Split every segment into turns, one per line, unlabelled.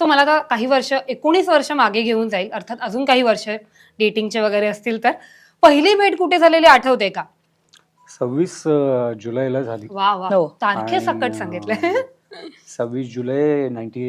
So मला आता काही वर्ष 19 वर्ष मागे घेऊन जाईल, अर्थात अजून काही वर्ष डेटिंगचे वगैरे असतील तर. पहिली भेट कुठे झालेली आठवते का?
26 जुलैला झाली.
वा वा,
हो.
तारखे सकट सांगितलं.
26 जुलै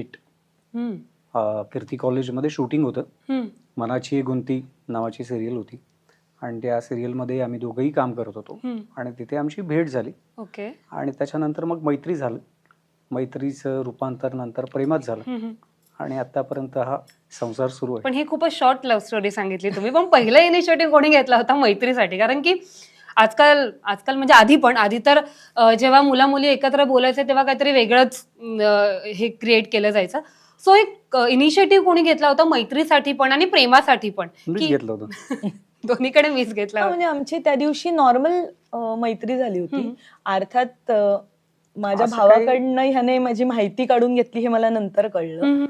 98 कीर्ती कॉलेजमध्ये शूटिंग होतं. मनाची गुंती नावाची सिरियल होती आणि त्या सिरियलमध्ये आम्ही दोघंही काम करत होतो आणि तिथे आमची भेट झाली.
ओके.
आणि त्याच्यानंतर मग मैत्री झालं. मैत्रीचं रूपांतर नंतर प्रेमात झालं आणि आतापर्यंत हा संसार सुरू आहे.
पण ही खूपच शॉर्ट लव्ह स्टोरी सांगितली तुम्ही. पण पहिला इनिशिएटिव्ह कोणी घेतला होता मैत्रीसाठी? कारण की आजकाल म्हणजे आधी तर जेव्हा मुला मुली एकत्र बोलायचे तेव्हा काहीतरी वेगळंच हे क्रिएट केलं जायचं. सो एक इनिशिएटिव्ह कोणी घेतला होता मैत्रीसाठी पण आणि प्रेमासाठी पण?
मीच घेतलं होतं.
दोन्हीकडे मीच घेतला होता.
म्हणजे आमची त्या दिवशी नॉर्मल मैत्री झाली होती. अर्थात माझ्या भावाकडनं ह्याने माझी माहिती काढून घेतली हे मला नंतर कळलं.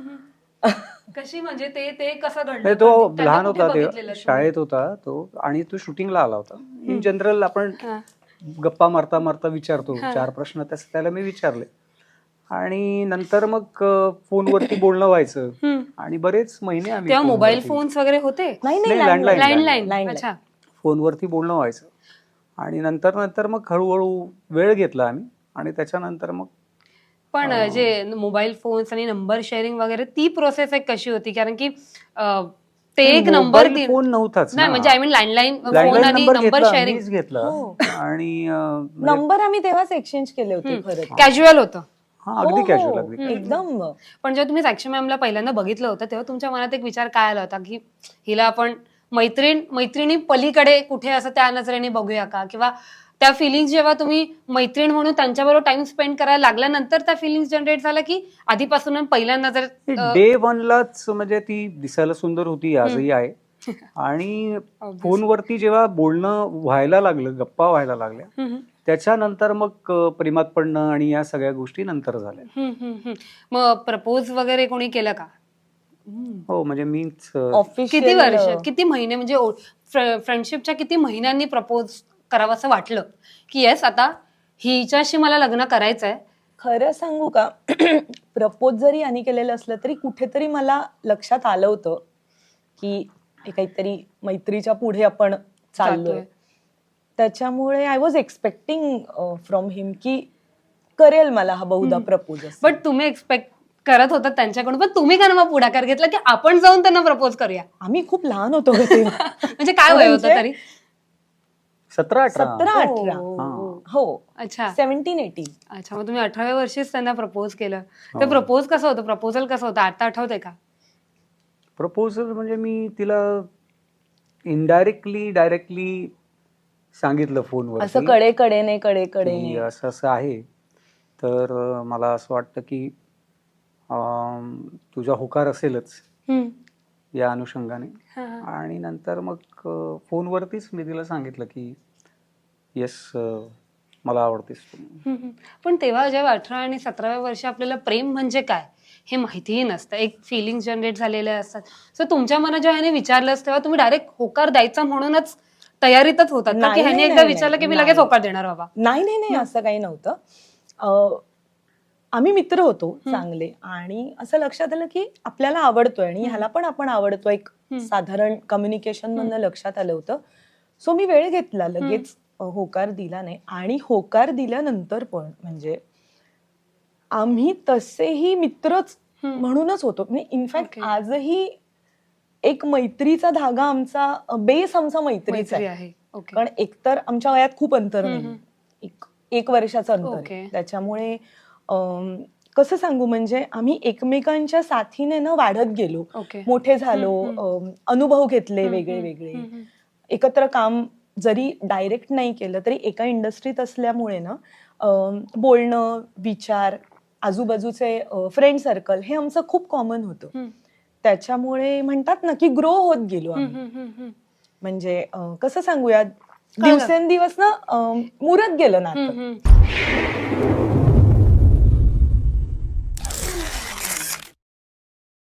कशी म्हणजे ते कसं घडलं?
म्हणजे तो
त्यांना
लहान
कुठे
होता
बघितलेलं
तेव्हा,
तुम्ही?
शाळेत होता तो आणि तो शूटिंगला आला होता. इन जनरल आपण गप्पा मारता मारता विचारतो 4 प्रश्न, तसं त्याला मी विचारले आणि नंतर मग फोनवरती बोलणं व्हायचं आणि बरेच महिने आम्ही
तेव्हा मोबाईल फोन्स वगैरे होते?
नाही
लँडलाईन
लँडलाईन. अच्छा.
फोनवरती बोलणं व्हायचं आणि नंतर मग हळूहळू वेळ घेतला आम्ही आणि त्याच्यानंतर मग.
पण जे मोबाईल फोन्स आणि नंबर शेअरिंग वगैरे ती प्रोसेस एक कशी होती? कारण की ते एक नंबर
फोन नव्हताच
नाही, म्हणजे आय मीन लँडलाईन फोन आणि नंबर शेअरिंग
घेतला आणि
नंबर आम्ही तेव्हाच एक्सचेंज केले होते. खरं
कॅज्युअल होतं.
अगदी कॅज्युअल अगदी.
एकदम.
पण जेव्हा तुम्ही साक्षी मॅमला पहिल्यांदा बघितलं होतं तेव्हा तुमच्या मनात एक विचार काय आला होता की हिला आपण मैत्रिणी पलीकडे कुठे असं त्या नजरेने बघूया का? किंवा त्या फिलिंग्स जेव्हा तुम्ही मैत्रीण म्हणून त्यांच्याबरोबर टाइम स्पेंड करायला लागल्यानंतर त्या फिलिंग्स जनरेट झाल्या की आधीपासून पहिल्या नजर?
डे 1लाच म्हणजे ती दिसायला सुंदर होती, आजही आहे. आणि फोनवरती जेव्हा बोलणं व्हायला लागलं, गप्पा व्हायला लागल्या, त्याच्यानंतर मग प्रेमात पडणं आणि या सगळ्या गोष्टी नंतर झाल्या.
मग प्रपोज वगैरे कोणी केलं का?
हो, म्हणजे मीच.
किती वर्ष, किती महिने, म्हणजे फ्रेंडशिपच्या किती महिन्यांनी प्रपोज करावं असं वाटलं की येस आता हिच्याशी मला लग्न करायचंय?
खरं सांगू का, प्रपोज जरी आणि केलेलं असलं तरी कुठेतरी मला लक्षात आलं होतं की हे काहीतरी मैत्रीच्या पुढे आपण चाललोय. त्याच्यामुळे I was expecting from him की करेल मला हा बहुधा प्रपोज.
बट तुम्ही एक्सपेक्ट करत होता त्यांच्याकडून, पण तुम्ही का मग पुढाकार घेतला की आपण जाऊन त्यांना प्रपोज करूया?
आम्ही खूप लहान होतो तेव्हा.
म्हणजे काय वय होतं तरी?
17-18. हो.
अच्छा.
17-18.
अच्छा. मग तुम्ही 18व्या वर्षीच त्यांना प्रपोज केलं. तर प्रपोज कसं होतं? प्रपोजल कसं होतं? आता आठवतंय का?
प्रपोजल म्हणजे मी तिला इनडायरेक्टली डायरेक्टली सांगितलं फोनवर,
असं कडे
असं असं आहे, तर मला असं वाटतं की तुझा होकार असेलच या अनुषंगाने. आणि नंतर मग फोनवरतीच मी तिला सांगितलं की येस, मला आवडतेस तू.
पण तेव्हा जेव्हा 18 आणि 17व्या वर्षी आपल्याला प्रेम म्हणजे काय हे माहितीही नसतं, एक फिलिंग जनरेट झालेले असतात. सो तुमच्या मनात जेव्हा ह्याने विचारलं तेव्हा तुम्ही डायरेक्ट होकार द्यायचा म्हणूनच तयारीतच होतात का? की ह्याने एकदा विचारलं की मी लगेच होकार देणार बाबा?
नाही, असं काही नव्हतं. आम्ही मित्र होतो चांगले आणि असं लक्षात आलं की आपल्याला आवडतोय आणि ह्याला पण आपण आवडतोय. एक साधारण कम्युनिकेशन मधनं लक्षात आलं होतं. सो मी वेळ घेतला, लगेच होकार दिला नाही. आणि होकार दिल्यानंतर पण म्हणजे आम्ही तसेही मित्रच म्हणूनच होतो. इनफॅक्ट आजही एक मैत्रीचा धागा आमचा, बेस आमचा मैत्रीचा आहे. कारण एकतर आमच्या वयात खूप अंतर नाही, एक वर्षाचं अंतर. त्याच्यामुळे कसं सांगू, म्हणजे आम्ही एकमेकांच्या साथीने ना वाढत गेलो, मोठे झालो, अनुभव घेतले वेगळे वेगळे. एकत्र काम जरी डायरेक्ट नाही केलं तरी एका इंडस्ट्रीत असल्यामुळे ना बोलणं, विचार, आजूबाजूचे फ्रेंड सर्कल हे आमचं खूप कॉमन होतं. त्याच्यामुळे म्हणतात ना की ग्रो होत गेलो आम्ही. म्हणजे कसं सांगूया, दिवसेंदिवस ना मुरत गेलं नातं.